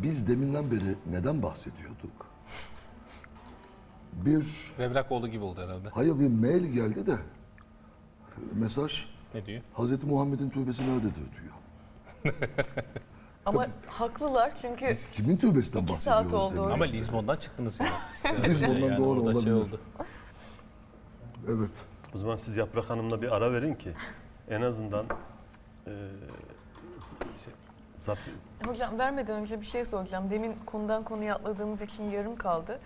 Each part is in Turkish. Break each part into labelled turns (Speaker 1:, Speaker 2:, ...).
Speaker 1: Biz deminden beri neden bahsediyorduk? Bir
Speaker 2: Revlakoğlu gibi oldu herhalde.
Speaker 1: hayır bir mail geldi de mesaj
Speaker 2: Ne diyor?
Speaker 1: Hazreti Muhammed'in türbesi nerededir diyor.
Speaker 3: Ama haklılar çünkü
Speaker 1: Biz kimin türbesinden
Speaker 3: 2 saat
Speaker 1: bahsediyoruz?
Speaker 3: oldu.
Speaker 1: demin?
Speaker 2: Ama Lizbon'dan çıktınız yani.
Speaker 1: Lizbon'dan doğru
Speaker 2: orada
Speaker 1: olabilir.
Speaker 2: oldu.
Speaker 1: Evet.
Speaker 4: O zaman siz Yaprak Hanım'la bir ara verin ki en azından zap...
Speaker 3: Hocam vermeden önce bir şey soracağım. Demin konudan konuya atladığımız için yarım kaldı.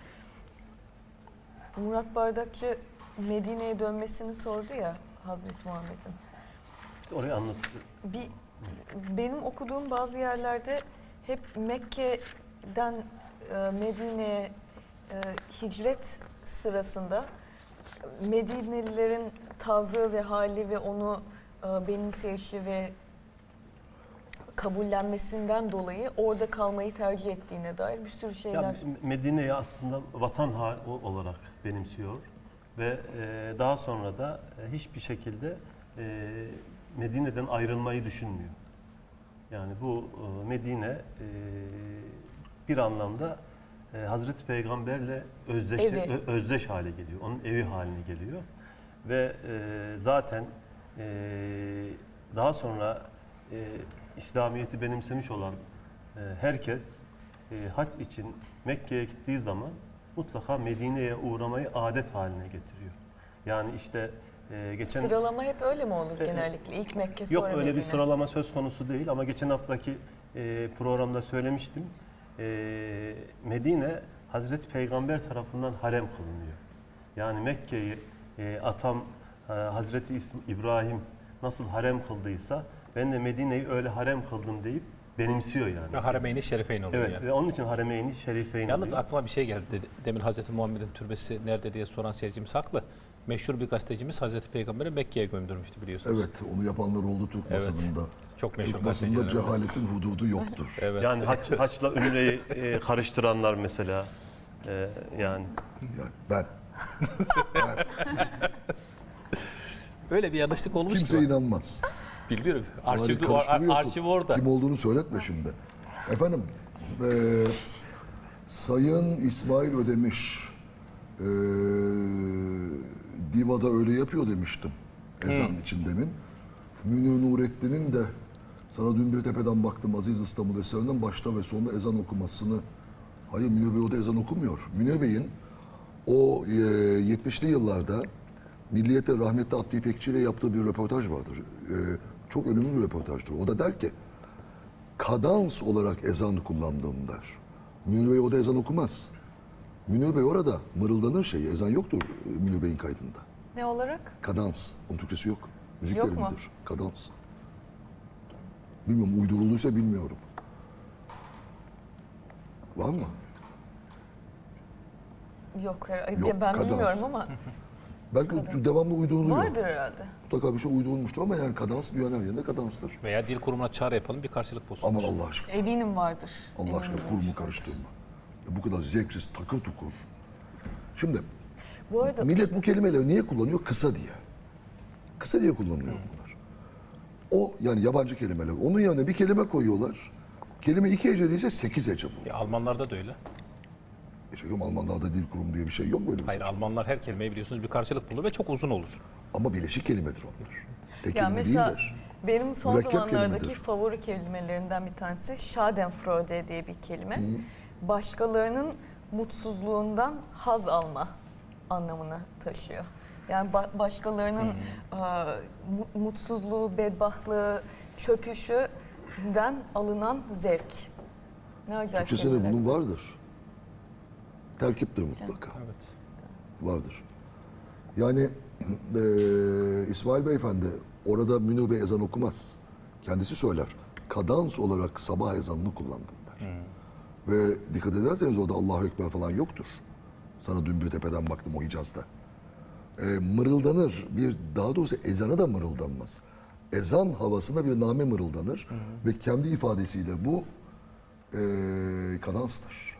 Speaker 3: Murat Bardakçı Medine'ye dönmesini sordu ya Hazreti Muhammed'in.
Speaker 4: Orayı anlatıyor.
Speaker 3: Benim okuduğum bazı yerlerde hep Mekke'den Medine'ye hicret sırasında Medinelilerin tavrı ve hali ve onu benimseyişi ve kabullenmesinden dolayı orada kalmayı tercih ettiğine dair bir sürü şeyler.
Speaker 4: Ya, Medine'yi aslında vatan olarak benimsiyor ve daha sonra da hiçbir şekilde Medine'den ayrılmayı düşünmüyor. Yani bu Medine bir anlamda Hazreti Peygamberle özdeş hale geliyor. Onun evi haline geliyor. Ve zaten daha sonra İslamiyet'i benimsemiş olan herkes hac için Mekke'ye gittiği zaman mutlaka Medine'ye uğramayı adet haline getiriyor. Yani işte geçen...
Speaker 3: Sıralama hep öyle mi olur genellikle? İlk Mekke sonra
Speaker 4: Yok öyle
Speaker 3: Medine.
Speaker 4: bir sıralama söz konusu değil ama geçen haftaki programda söylemiştim. Medine Hazreti Peygamber tarafından harem kılınıyor. Yani Mekke'yi atam Hazreti İbrahim nasıl harem kıldıysa ben de Medine'yi öyle harem kıldım deyip benimsiyor yani.
Speaker 2: Ve Haremeyn-i Şerifeyn oluyor
Speaker 4: Evet
Speaker 2: yani.
Speaker 4: ve onun için Haremeyn-i Şerifeyn
Speaker 2: Yalnız
Speaker 4: oluyor.
Speaker 2: aklıma bir şey geldi. Demin Hazreti Muhammed'in türbesi nerede diye soran seyircimiz haklı. Meşhur bir gazetecimiz Hazreti Peygamber'i Mekke'ye gömdürmüştü biliyorsunuz.
Speaker 1: Evet, onu yapanlar oldu Türk
Speaker 2: Evet.
Speaker 1: basınında.
Speaker 2: Çok meşhur
Speaker 1: Türk basınında
Speaker 2: gazeteciler.
Speaker 1: cehaletin hududu yoktur.
Speaker 2: Evet.
Speaker 4: Yani haçla ümreyi karıştıranlar mesela yani.
Speaker 1: Yani ben.
Speaker 2: Öyle bir yanlışlık olmuş
Speaker 1: Kimse
Speaker 2: ki.
Speaker 1: inanmaz.
Speaker 2: Bilmiyorum.
Speaker 1: Onları
Speaker 2: Arşiv
Speaker 1: karıştırıyorsun.
Speaker 2: orada.
Speaker 1: Kim olduğunu söyletme şimdi. Efendim, Sayın İsmail Ödemiş, Diva'da öyle yapıyor demiştim. Ezan için demin. Münir Nurettin'in de sana dün bir tepeden baktım Aziz İstanbul eserinden başta ve sonunda ezan okumasını. Hayır, Münir Bey o da ezan okumuyor. Münir Bey'in o 70'li yıllarda Milliyet'te rahmetli Abdü İpekçi ile yaptığı bir röportaj vardır. Çok önemli bir röportajdır. O da der ki, kadans olarak ezan kullandığım der. Münir Bey o da ezan okumaz. Münir Bey orada mırıldanır şeyi, ezan yoktur Münir Bey'in kaydında.
Speaker 3: Ne olarak?
Speaker 1: Kadans, onun Türkçesi yok. Müzik
Speaker 3: Yok mu?
Speaker 1: terimidir, kadans. Bilmiyorum, uydurulduysa bilmiyorum. Var mı?
Speaker 3: Yok,
Speaker 1: Yok,
Speaker 3: ben
Speaker 1: kadans.
Speaker 3: bilmiyorum ama
Speaker 1: Belki devamlı uyduruluyor.
Speaker 3: vardır herhalde.
Speaker 1: Mutlaka bir şey uydurulmuştur ama yani kadans dünyanın her yerinde kadanstır.
Speaker 2: Veya dil kurumuna çağrı yapalım bir karşılık bulsun.
Speaker 1: Aman Allah aşkına.
Speaker 3: Eminim vardır.
Speaker 1: Allah aşkına
Speaker 3: Eminim
Speaker 1: kurumu
Speaker 3: vardır.
Speaker 1: karıştırma. Bu kadar zevksiz, takır tukur. Şimdi
Speaker 3: Bu arada
Speaker 1: millet bu kelimeleri niye kullanıyor? Kısa diye. Kısa diye kullanılıyor bunlar. O yani yabancı kelimeler. Onun yerine bir kelime koyuyorlar. Kelime 2 heceli ise 8 hece bu.
Speaker 2: Almanlarda da öyle.
Speaker 1: Çünkü Almanlarda dil kurumu diye bir şey yok böyle bir
Speaker 2: Hayır
Speaker 1: şey.
Speaker 2: Almanlar her kelimeyi biliyorsunuz bir karşılık bulur ve çok uzun olur.
Speaker 1: Ama bileşik kelimedir onlar. Tek
Speaker 3: ya
Speaker 1: kelime
Speaker 3: mesela
Speaker 1: değiller.
Speaker 3: benim son
Speaker 1: Mürekkep
Speaker 3: zamanlardaki
Speaker 1: kelimedir.
Speaker 3: favori kelimelerinden bir tanesi Schadenfreude diye bir kelime. Başkalarının mutsuzluğundan haz alma anlamını taşıyor. Yani başkalarının mutsuzluğu, bedbahtlığı, çöküşünden alınan zevk. Ne acayip
Speaker 1: Türkçesinde
Speaker 3: kelimeler.
Speaker 1: bunun vardır. Terkiptir mutlaka.
Speaker 2: Evet.
Speaker 1: Vardır. Yani İsmail Beyefendi orada Münir Bey ezan okumaz. Kendisi söyler. Kadans olarak sabah ezanını kullandım der. Ve dikkat ederseniz orada Allahu Ekber falan yoktur. Sana dün bir tepeden baktım o Hicaz'da. Mırıldanır. Daha doğrusu ezana da mırıldanmaz. Ezan havasında bir name mırıldanır. Ve kendi ifadesiyle bu kadanstır.